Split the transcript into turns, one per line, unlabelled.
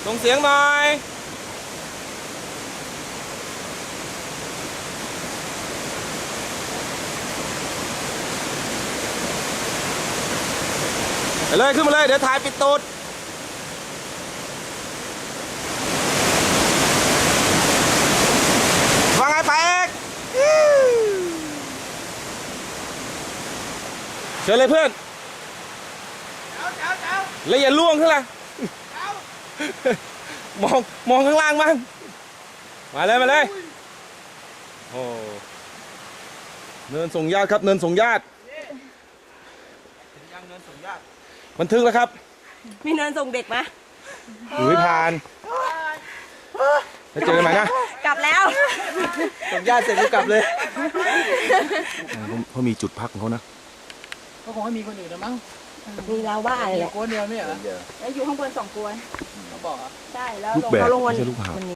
ส่งเสียงหน่อยไปเลยขึ้นมาเลยเดี๋ยวถ่ายปิดตูดว่าไงไปเอกเชิญเลยเพื่อนแล้วอย่าล่วงขึ้นล่ะมองข้างล่างบ้างมาเลยโอ้เนินส่งญาติครับเนินส่งญาติยังเนินส่งญาติบันทึกแล้วครับ
มีเนินส่งเด็กไหม
ผ่านแล้วเจอกันใหม่นะ
กลับแล้ว
ส่งญาติเสร็จก็กลับเลยเขามีจุดพักของเขานะ
ก็คงไม่มีคนอื่นแล้วมั้ง
มีเราบ้าเลยแหละ
กวนเดียวไม่เหรอ
แล้วอยู่ข้างบน2 กวน
เขาบอกอ่ะ
ใช่แล้ว
ลูกแบก
เขาลงวัน
ไม่ใช่ลูกหาบ